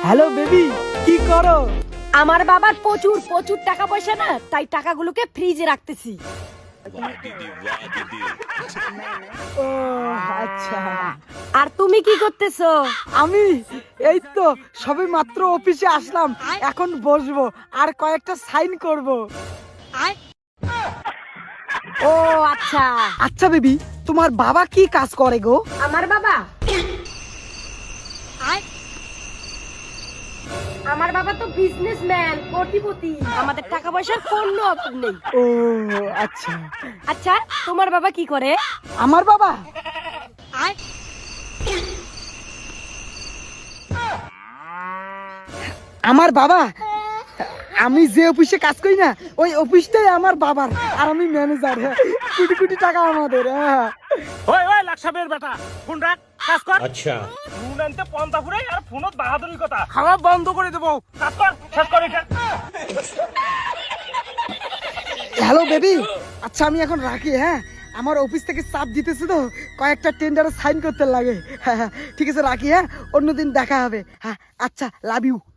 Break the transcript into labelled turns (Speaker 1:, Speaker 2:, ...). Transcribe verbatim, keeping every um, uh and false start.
Speaker 1: Hello baby, কি করো?
Speaker 2: আমার বাবার প্রচুর প্রচুর টাকা পয়সা না, তাই টাকাগুলোকে ফ্রিজে রাখতেছি।
Speaker 1: ও আচ্ছা।
Speaker 2: আর তুমি কি করতেছো?
Speaker 1: আমি এই তো সবে মাত্র অফিসে আসলাম, এখন বসবো আর কয়েকটা সাইন করব।
Speaker 2: ও আচ্ছা।
Speaker 1: আচ্ছা বেবি, তোমার বাবা কি কাজ করে গো?
Speaker 2: আমার বাবা আমার বাবা তো বিজনেসম্যান, কোটিপতি। আমাদের টাকা পয়সার কোনো অভাব নেই।
Speaker 1: ও আচ্ছা।
Speaker 2: আচ্ছা, তোমার বাবা কি করে?
Speaker 1: আমার বাবা আমার বাবা আমি যে অফিসে কাজ করি না, ওই অফিসটাই আমার বাবার, আর আমি ম্যানেজার। কোটি কোটি টাকা আমাদের। হ্যাঁ।
Speaker 3: ওই ওই লাকসাবের বেটা ফোন রাখ, কাজ কর।
Speaker 4: अच्छा
Speaker 3: ফোন আনতে পন্তা ফুরাই আর ফোনত বাহাদুরি কথা। খাওয়া বন্ধ করে দেবো, কাজ কর, শেষ কর এটা।
Speaker 1: হ্যালো বেবি, আচ্ছা আমি এখন রাখি। হ্যাঁ, আমার অফিস থেকে চাপ দিতেছে তো, কয়েকটা টেন্ডারে সাইন করতে লাগে। হ্যাঁ হ্যাঁ, ঠিক আছে রাখি। হ্যাঁ, অন্যদিন দেখা হবে। হ্যাঁ আচ্ছা, লাভ ইউ।